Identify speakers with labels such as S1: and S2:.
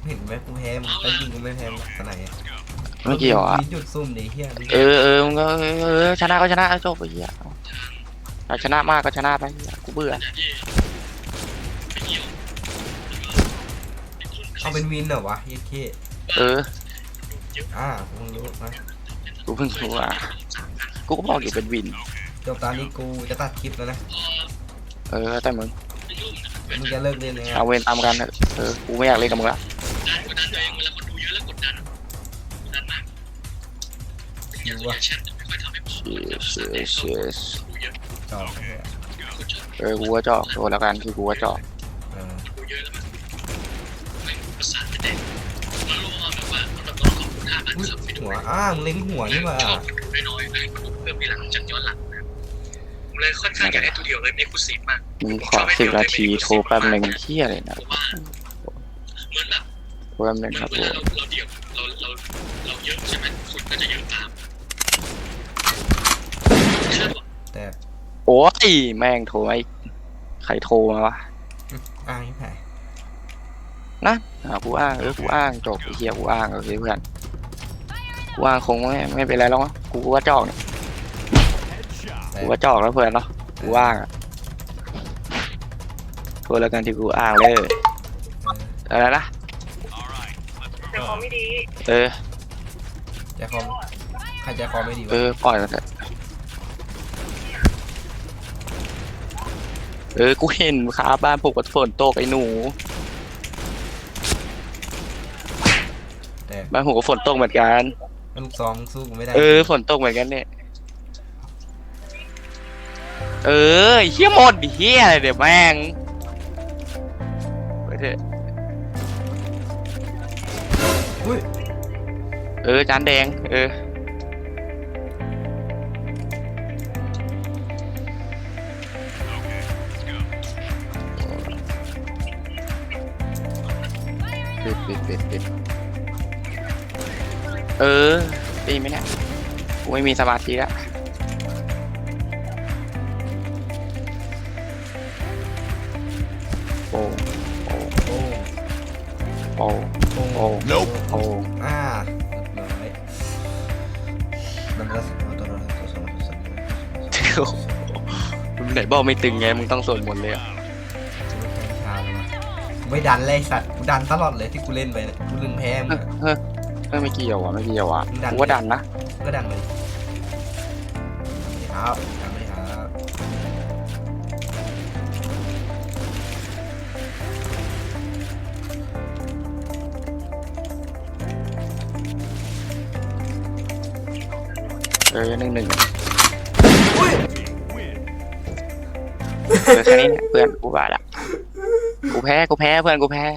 S1: เห็นไหมกูแพ้มึงแต่ยิงกูไม่แพ้มึงขนาดไหน
S2: ไม่เกี่ยวอ่ะ
S1: มีจุดซุ่มดิเฮีย
S2: มึงก็ชนะก็ชนะจบไปเหี้ยชนะมากก็ชนะไปกูเบื่อ
S1: เอาเป็นวินเหรอวะเฮียเคมึงรู้นะ
S2: กูเพิ่งรู้อ่ะกูก็บอกอยู่เป็นวิน
S1: จบตอนนี้กูจะตัดคลิปแล้วนะ
S2: แต่มึง
S1: มึงจะเลิกเล่นเลย
S2: เอาเวรตามกันกูไม่อยากเล่นกับมึงละ
S1: คิววะ
S2: เชียส
S1: จอเฮีย
S2: กูก็จอกโดนแล้วกันคือกูก็จอก
S1: หัวมึงเล็งหัวนี่มา
S3: เลยค่อนข้างอยากได้ตัวเดียวเลยเอ็กซ์คลูซีฟมาก
S2: มึงขอ10 นาทีโทรแป๊บนึงเที่ยอะไรนะ
S3: เหมือนแบบ
S2: โทรแป๊บนึงครับ
S3: เวลาเราเดี่ยวเราเยอะใช่ไหมคนก็จะเยอะตาม
S1: แต่
S2: โอ้ยแม่งโทรไอ้ใครโทรมาวะ
S1: ที่แพ้
S2: นะกูอ้างกูอ้างจบไอ้เหี้ยกูอ้างโอเคเพื่อนกูอ้างคงไม่เป็นไรหรอกกูว่าจอกเนี่ยกูว่าจอกแล้วเพื่อนเนาะกูอ้างอ่ะโทรแล้วกันที่กูอ้างเลยอะไรนะ
S3: แต่พอไม่ดี
S1: ใจคอมใครใจคอไม่ดีวะ
S2: ปล่อยมันเถอะกูเห็นขาบ้านปลูกกับฝนตกไอ้หนู
S1: แต่
S2: บ้านผมก็ฝนตกเหมือนกัน
S1: ลูกซองสู้กูไม่ได้
S2: ฝนตกเหมือนกันเนี่ยเฮี้ยหมดดิเฮี้ยอะไรเดี๋ยวแม่งไปเถอะจานแดงปิดดีไหมเนี่ยกูไม่มีสมาธิแล้วโอ้น้อย
S1: มันก็ตัว
S2: มึงไหนบอกไม่ตึงไงมึงต้องสวดมนต์เลยอ่ะ
S1: ไม่ดันเลยสัตว์กูดันตลอดเลยที่กูเล่นไปกูลืมแพ้มึง
S2: ไม่เกี่ยวกูว่าดันนะ
S1: ก็ดันเลยครับดันไม่ครับ
S2: 1-1แค่นี้เนี่ยเพื่อนกูว่าละกูแพ้เพื่อนกูแพ้